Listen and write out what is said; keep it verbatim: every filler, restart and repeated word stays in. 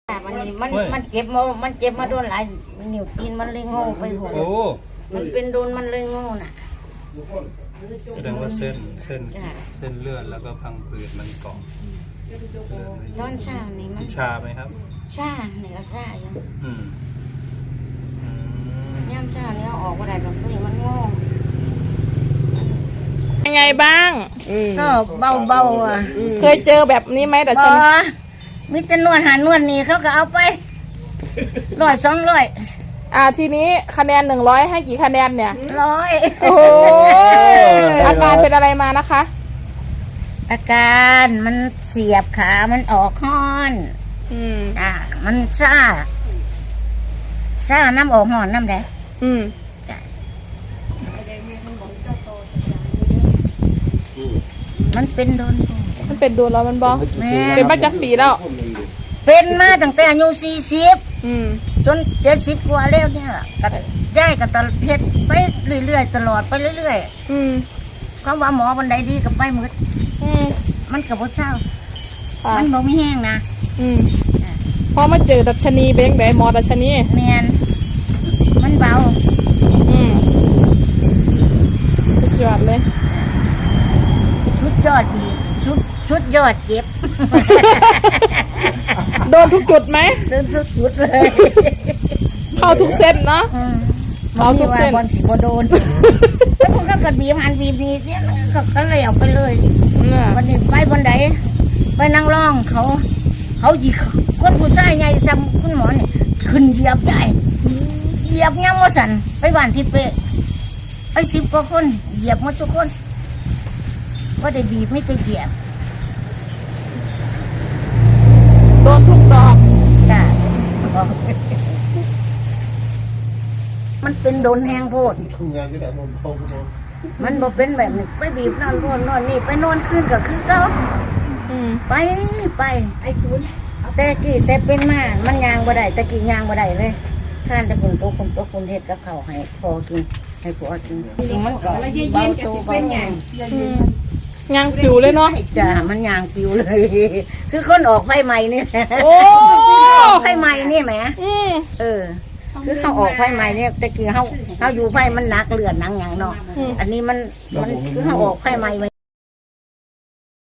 มันมันมันเจ็บมามันเจ็บมาโดนหลายนิ้วตีนมันเลยโง่ไปหมดมันเป็นโดนมันเลยโง่น่ะแสดงว่าเส้นเส้นเส้นเลือดแล้วก็พังผืดมันเกาะตอนเช้านี่มันชาไหมครับชาเนี่ยก็ชาอยู่อืมย่ำชาเนี่ยออกมาได้แบบนี้มันโง่ยังไงบ้างก็เบาเบาอ่ะเคยเจอแบบนี้ไหมแต่ฉันมิตรนวดหานวดนี่เขาก็เอาไปร้อยสองร้อยอ่าทีนี้คะแนนหนึ่งร้อยให้กี่คะแนนเนี่ยร้อยโอ้อาการเป็นอะไรมานะคะอาการมันเสียบขามันออกห้อนอืมอ่ามันซ่าซ่าน้ำออกห้อนน้ำแดงอืมมันเป็นโดนมันเป็นโดนแล้วมันบอกเป็นมาจากปีแล้วเป็นมาตั้งแต่อายุสี่สิบจนเจ็ดสิบกว่าแล้วเนี่ยกับย่ายกับตลอดเพชรไปเรื่อยๆตลอดไปเรื่อยๆเขาว่าหมอบันไดดีกับไปหมดมันกับพวกเศร้ามันบอกไม่แห้งนะพอมาเจอดัชนีเป็นยังไงหมอดัชนีเมียนมันเบาสุดยอดเลยชุดยอดดีชุดชุดยอดเจ็บโดนทุกจุดไหมโดนทุกจุดเลยเข้าทุกเส้นเนาะเข้าทุกเส้นบอลสีบอลโดนแล้วพวกก็กระบีมันบีบนี้เนี่ยก็ก็เลยเอาไปเลยวันนี้ไปบนไดไปนั่งร้องเขาเขาหยิกคนผู้ชายใหญ่จำคุณหมอเนี่ยขึ้นเหยียบใหญ่เหยียบย่ำว่าสันไปบ้านที่เป๊ะไปสิบกว่าคนเหยียบหมดทุกคนก็ได้บีบไม่ได้เหยียบโดนทุกดอกจ้ะมันเป็นโดนแหงโพดมันบอกเป็นแบบนี้ไปบีบนอนนอนนอนนี่ไปนอนขึ้นก็คือเขาไปไปไอ้คุณแต่กี่แต่เป็นมามันยางบ่ได้แต่กี่ยางบ่ได้เลยท่านจะปุ่นโตคนโตคนเฮ็ดกับเขาให้พอกินให้ผัวกินสิ่งมันก็เบาโตเบาแห้งยางปิวเลยเนาะจ้ะมันยางปิวเลยคือคนออกไฟใหม่นี่โอ้ไฟใหม่นี่แหมเออคือเขาออกไฟใหม่เนี่ยแต่กี้เขาเขาอยู่ไฟมันหนักเลือดหนังอย่างเนาะอันนี้มันมันคือเขาออกไฟใหม่